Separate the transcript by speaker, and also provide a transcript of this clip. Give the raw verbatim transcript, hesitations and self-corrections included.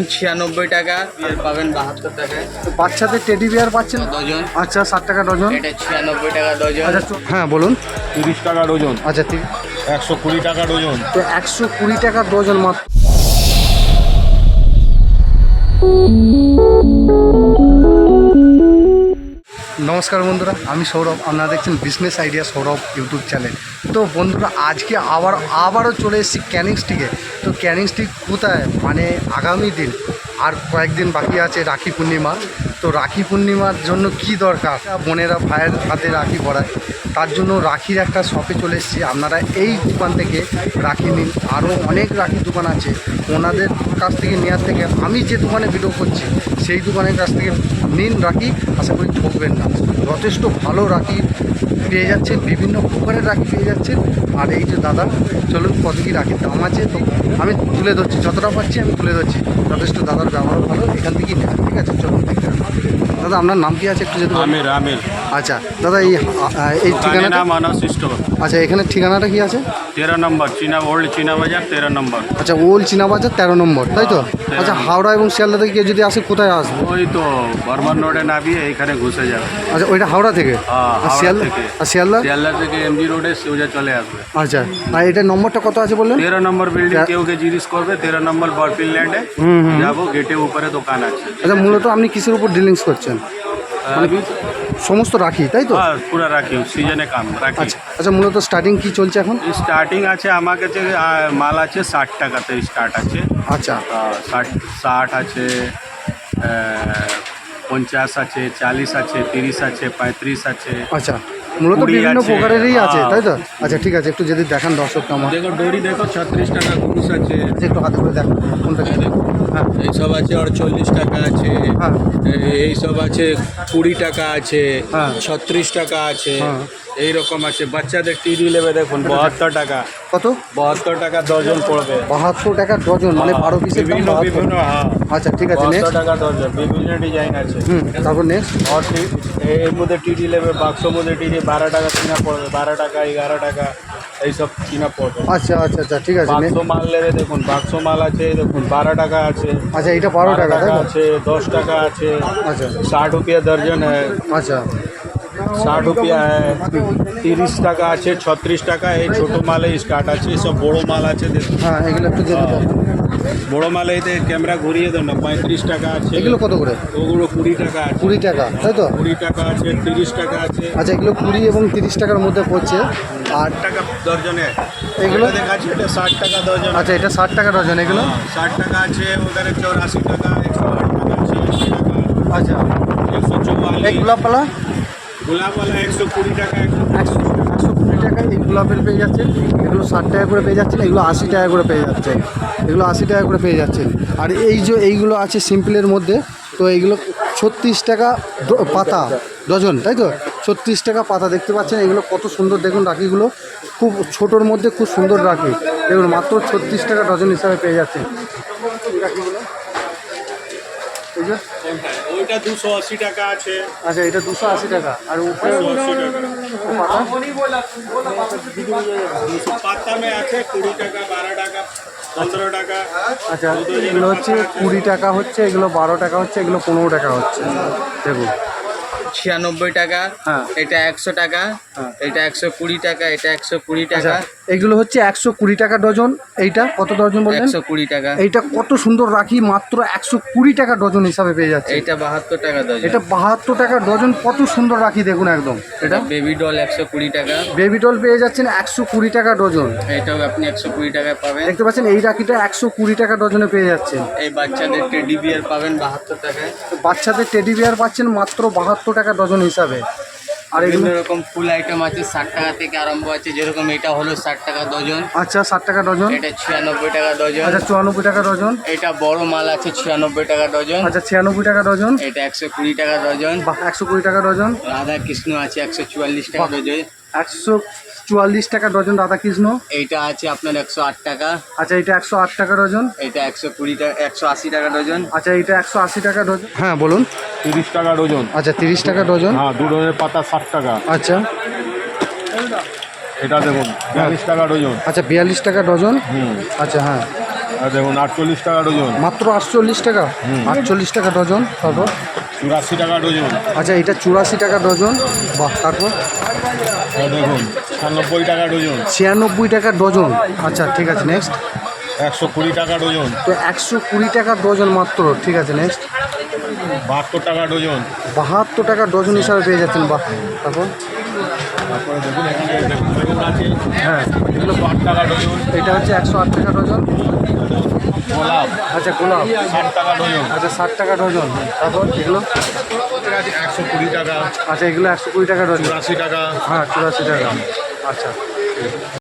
Speaker 1: ছিয়ানব্বই টাকা আর পাবেন বাহাত্তর টাকায়।
Speaker 2: বাচ্চাদের টেডি বিয়ার পাচ্ছেন
Speaker 1: ডজন।
Speaker 2: আচ্ছা ষাট টাকা ডজন।
Speaker 1: এটা ছিয়ানব্বই টাকা ডজন।
Speaker 2: আচ্ছা তো- হ্যাঁ বলুন।
Speaker 3: তিরিশ টাকা ডজন।
Speaker 2: আচ্ছা তিরিশ।
Speaker 3: একশো কুড়ি টাকা ডজন।
Speaker 2: তো একশো কুড়ি টাকা ডজন মাত্র। নমস্কার বন্ধুরা, আমি সৌরভ, আপনারা দেখছেন business idea Sourav YouTube channel. তো বন্ধুরা আজকে আবার আবারও চলে এসেছি ক্যানিং স্টিকে। তো ক্যানিং স্টিক কোথায়, মানে আগামী দিন আর কয়েকদিন বাকি আছে রাখি পূর্ণিমা। তো রাখি পূর্ণিমার জন্য কি দরকার, বোনেরা ভাইয়ের হাতে রাখি পরায়, তার জন্য রাখির একটা শপে চলে এসেছি। আপনারা এই দোকান থেকে রাখি নিন, আরও অনেক রাখির দোকান আছে, ওনাদের কাছ থেকে নেওয়ার থেকে আমি যে দোকানে ভিডিও করছি সেই দোকানের কাছ থেকে নিন রাখি, আশা করি ঠকবেন না। যথেষ্ট ভালো রাখি পেয়ে যাচ্ছেন, বিভিন্ন প্রকারের রাখি পেয়ে যাচ্ছেন। আর এই যে দাদা, চলুন কত কী রাখির দাম আছে তো আমি তুলে ধরছি, যতটা পাচ্ছি আমি তুলে ধরছি। যথেষ্ট দাদার ব্যবহার ভালো, এখান থেকেই নেন, ঠিক আছে? চলুন দেখতে হবে। দাদা আপনার নাম কি আছে একটু যদি বলেন?
Speaker 3: আমির আমির।
Speaker 2: আচ্ছা দাদা, এই এই ঠিকানাটা,
Speaker 3: নাম আনাস স্টোর।
Speaker 2: আচ্ছা এখানে ঠিকানাটা কি আছে?
Speaker 3: তেরো নম্বর চীনা ওল্ড চীনা বাজার, তেরো নম্বর।
Speaker 2: আচ্ছা ওল্ড চীনা বাজার তেরো নম্বর, তাই তো? আচ্ছা হাওড়া এবং শিয়ালদা থেকে কেউ যদি আসে কোথায় আসবে?
Speaker 3: ওই তো বর্মান রোডে নামিয়ে এইখানে ঘুষে যাবে।
Speaker 2: আচ্ছা ওইটা হাওড়া থেকে?
Speaker 3: হ্যাঁ,
Speaker 2: আর
Speaker 3: হাওড়া
Speaker 2: শিয়ালদা
Speaker 3: থেকে।
Speaker 2: আর শিয়ালদা
Speaker 3: শিয়ালদা থেকে এমজি রোডে সোজা চলে আসবে।
Speaker 2: আচ্ছা, আর এটার নম্বরটা কত আছে বললেন?
Speaker 3: তেরো নম্বর বিল্ডিং, কেউ কে জিজ্ঞেস করবে তেরো নম্বর বরফিল ল্যান্ডে যাবো, গেটের উপরে দোকান আছে।
Speaker 2: আচ্ছা মূলত আপনি কিসের উপর ডিলিংস করছেন? মানে
Speaker 3: अभी
Speaker 2: সমস্ত রাখি, তাই তো?
Speaker 3: हाँ पूरा राखी सीजने काम राखी।
Speaker 2: আচ্ছা আচ্ছা মূলত স্টার্টিং কি চলছে এখন?
Speaker 3: স্টার্টিং আছে আমার কাছে আহ, মাল আছে ষাট টাকাতে স্টার্ট আছে।
Speaker 2: আচ্ছা
Speaker 3: আহ, ষাট ষাট আছে, আহ, পঞ্চাশ আছে, চালিশ আছে, তিরিশ আছে, পঁয়ত্রিশ আছে।
Speaker 2: আচ্ছা মূলত
Speaker 3: কুড়ি
Speaker 2: বিভিন্ন
Speaker 3: আছে,
Speaker 2: প্রকারেরই আছে,
Speaker 3: হ্যাঁ।
Speaker 2: তাই তো? আচ্ছা ঠিক আছে, একটু যদি দেখান দর্শককে আমার।
Speaker 3: দেখো ডোরি দেখো ছত্রিশ টাকা কুরুশ আছে।
Speaker 2: আচ্ছা, একটু হাতে করে দেখান কোনটা কি? হ্যাঁ
Speaker 4: এইসব আছে আটচল্লিশ টাকা আছে,
Speaker 2: হ্যাঁ
Speaker 4: এইসব আছে কুড়ি টাকা আছে,
Speaker 2: হ্যাঁ।
Speaker 4: ছত্রিশ টাকা আছে,
Speaker 2: হ্যাঁ।
Speaker 4: এইরকম আছে। বাচ্চাদের টিডি নেবে দেখুন বাহাত্তর টাকা,
Speaker 2: কত?
Speaker 4: বাহাত্তর টাকা ডজন পড়বে।
Speaker 2: বাহাত্তর টাকা ডজন, মানে বারো পিসের দাম
Speaker 4: বিভিন্ন
Speaker 2: বাহাত্তর।
Speaker 4: বিভিন্ন হ্যাঁ
Speaker 2: আচ্ছা ঠিক আছে,
Speaker 4: বাহাত্তর
Speaker 2: নেক্সট।
Speaker 4: টাকা ডজন, বিভিন্ন ডিজাইন আছে।
Speaker 2: হুম তারপর নেক্সট।
Speaker 4: আর টি- এর মধ্যে টিডি নেবে, বাক্সর মধ্যে টিডি বারো টাকা কিনা পড়বে, বারো টাকা এগারো টাকা এইসব কিনা পড়বে।
Speaker 2: আচ্ছা আচ্ছা আচ্ছা ঠিক আছে,
Speaker 4: বাক্স
Speaker 2: next।
Speaker 4: মাল নেবে দেখুন, বাক্স মাল আছে দেখুন, বারো টাকা আছে,
Speaker 2: আচ্ছা এটা বারো টাকা, তাই তো?
Speaker 4: আছে, দশ টাকা আছে,
Speaker 2: আচ্ছা
Speaker 4: साठ रुपया दर्जन है,
Speaker 2: আচ্ছা
Speaker 4: साठ रुपया है, तीस টাকা আছে, ছত্রিশ টাকা। এই ছোট মালে স্টার্ট আছে, সব বড় মাল আছে দেখুন।
Speaker 2: হ্যাঁ এগুলো একটু যদি দেন।
Speaker 4: বড় মালে এতে ক্যামেরা ঘুরিয়ে দেন না, পঁয়ত্রিশ টাকা আছে,
Speaker 2: এগুলো কত করে?
Speaker 4: ওগুলো কুড়ি টাকা আছে,
Speaker 2: কুড়ি টাকা, তাই তো?
Speaker 4: কুড়ি টাকা আছে, তিরিশ টাকা আছে,
Speaker 2: আচ্ছা এগুলো কুড়ি এবং তিরিশ টাকার মধ্যে পড়ছে। আর
Speaker 4: আট টাকা দর্জনে।
Speaker 2: এগুলো?
Speaker 4: এটা দেখাচ্ছি, এটা ষাট টাকা দর্জন।
Speaker 2: আচ্ছা এটা ষাট টাকা ডজন, এগুলো?
Speaker 4: ষাট টাকা আছে, ওখানে চৌরাশি টাকা, একশো আট টাকা আছে, আশি টাকা,
Speaker 2: আচ্ছা
Speaker 4: একশো
Speaker 2: এই
Speaker 4: চৌবাল্লিশ।
Speaker 2: গোলাপপালা
Speaker 4: গোলাপওয়ালা একশো কুড়ি টাকা, একশো
Speaker 2: একশো একশো কুড়ি টাকা এই গোলাপের পেয়ে যাচ্ছেন। এগুলো ষাট টাকা করে পেয়ে যাচ্ছেন, এগুলো আশি টাকা করে পেয়ে যাচ্ছে, এগুলো আশি টাকা করে পেয়ে যাচ্ছেন। আর এই যে এইগুলো আছে সিম্পলের মধ্যে, তো এইগুলো ছত্রিশ টাকা ড- পাতা ডজন, তাই তো? ছত্রিশ টাকা পাতা, দেখতে পাচ্ছেন এগুলো কত সুন্দর দেখুন রাখিগুলো, খুব ছোটোর মধ্যে খুব সুন্দর রাখি, এগুলো মাত্র ছত্রিশ টাকা ডজন হিসাবে পেয়ে যাচ্ছেন এই রাখিগুলো। এই যে
Speaker 4: ওইটা দুশো আশি টাকা আছে।
Speaker 2: আচ্ছা এটা দুশো আশি টাকা, আর উপরে পাতা
Speaker 4: পাতা মে আছে কুড়ি টাকা, বারো টাকা, পনেরো টাকা।
Speaker 2: আচ্ছা এগুলো হচ্ছে কুড়ি টাকা হচ্ছে, এগুলো বারো টাকা হচ্ছে, এগুলো পনেরো টাকা হচ্ছে দেখুন।
Speaker 1: ছিয়ানব্বই টাকা।
Speaker 2: হ্যাঁ।
Speaker 1: এটা একশো টাকা।
Speaker 2: হ্যাঁ।
Speaker 1: এটা একশো কুড়ি টাকা। এটা একশো কুড়ি
Speaker 2: আচ্ছা
Speaker 1: টাকা।
Speaker 2: এগুলো হচ্ছে একশো কুড়ি টাকা ডজন। এইটা কত ডজন বললেন?
Speaker 1: একশো কুড়ি টাকা।
Speaker 2: এইটা কত সুন্দর রাখি, মাত্র একশো কুড়ি টাকা ডজন হিসাবে পেয়ে যাচ্ছে।
Speaker 1: এইটা বাহাত্তর টাকা ডজন।
Speaker 2: এটা বাহাত্তর টাকা ডজন, কত সুন্দর রাখি দেখুন একদম।
Speaker 1: এটা বেবি ডল একশো কুড়ি টাকা।
Speaker 2: বেবি ডল পেয়ে যাচ্ছেন একশো কুড়ি টাকা ডজন,
Speaker 1: এটাও আপনি একশো কুড়ি টাকায় পাবেন।
Speaker 2: দেখতে পাচ্ছেন এই রাখিটা একশো কুড়ি টাকা ডজনে পেয়ে যাচ্ছেন।
Speaker 1: এই বাচ্চাদের টেডি বিয়ার পাবেন বাহাত্তর টাকায়।
Speaker 2: বাচ্চাদের টেডি বিয়ার পাচ্ছেন মাত্র বাহাত্তর টাকা ডজন হিসাবে। আর এগুলো
Speaker 1: বিভিন্ন রকম ফুল আইটেম আছে, ষাট টাকা থেকে আরম্ভ আছে, যেরকম এটা হলো ষাট টাকা ডজন।
Speaker 2: আচ্ছা ষাট টাকা ডজন।
Speaker 1: এটা ছিয়ানব্বই টাকা ডজন।
Speaker 2: আচ্ছা চুরানব্বই টাকা ডজন।
Speaker 1: এটা বড় মাল আছে ছিয়ানব্বই টাকা ডজন।
Speaker 2: আচ্ছা ছিয়ানব্বই টাকা ডজন।
Speaker 1: এটা একশো কুড়ি টাকা ডজন।
Speaker 2: বা একশো কুড়ি টাকা ডজন।
Speaker 1: রাধা কৃষ্ণ আছে একশো চুয়াল্লিশ টাকা
Speaker 2: বাহ।
Speaker 1: ডজন।
Speaker 2: একশো চুয়াল্লিশ টাকা ডজন রাধাকৃষ্ণ।
Speaker 1: এইটা আছে আপনার একশো আট টাকা।
Speaker 2: আচ্ছা এটা একশো আট টাকা ডজন।
Speaker 1: এটা একশো কুড়ি টাকা, একশো আশি টাকা ডজন।
Speaker 2: আচ্ছা এটা একশো আশি টাকা ডজন। হ্যাঁ বলুন।
Speaker 3: তিরিশ টাকা ডজন।
Speaker 2: আচ্ছা তিরিশ টাকা ডজন।
Speaker 3: হ্যাঁ দু ডজনের পাতা ষাট টাকা।
Speaker 2: আচ্ছা
Speaker 3: এটা দেখুন বিয়াল্লিশ টাকা ডজন।
Speaker 2: আচ্ছা বিয়াল্লিশ টাকা ডজন।
Speaker 3: হুম
Speaker 2: আচ্ছা হ্যাঁ
Speaker 4: আর দেখুন আটচল্লিশ টাকা ডজন,
Speaker 2: মাত্র আটচল্লিশ টাকা, আটচল্লিশ টাকা ডজন। তারপর
Speaker 4: চুরাশি টাকা ডজন,
Speaker 2: আচ্ছা এটা চুরাশি টাকা ডজন। বাহ, তারপর
Speaker 4: আর দেখুন ছিয়ানব্বই টাকা ডজন,
Speaker 2: ছিয়ানব্বই টাকা ডজন। আচ্ছা ঠিক আছে, নেক্সট।
Speaker 4: একশো কুড়ি টাকা ডজন,
Speaker 2: তো একশো কুড়ি টাকা ডজন মাত্র, ঠিক আছে নেক্সট।
Speaker 4: বাহাত্তর টাকা ডজন।
Speaker 2: বাহাত্তর টাকা ডজন হিসাবে পেয়ে যাচ্ছেন। বাহ, তারপর
Speaker 4: তারপরে দেখুন এখানে দেখুন বেগুন আছে,
Speaker 2: হ্যাঁ
Speaker 4: এগুলো আট টাকা ডজন।
Speaker 2: এটা হচ্ছে একশো আট টাকা ডজন।
Speaker 4: গোলাপ
Speaker 2: আচ্ছা গোলাপ,
Speaker 4: ষাট টাকা ডজন,
Speaker 2: আচ্ছা ষাট টাকা ডজন। তারপর এগুলো
Speaker 4: একশো কুড়ি টাকা,
Speaker 2: আচ্ছা এগুলো একশো কুড়ি টাকা ডজন।
Speaker 4: চুরাশি টাকা।
Speaker 2: হ্যাঁ চুরাশি টাকা। আচ্ছা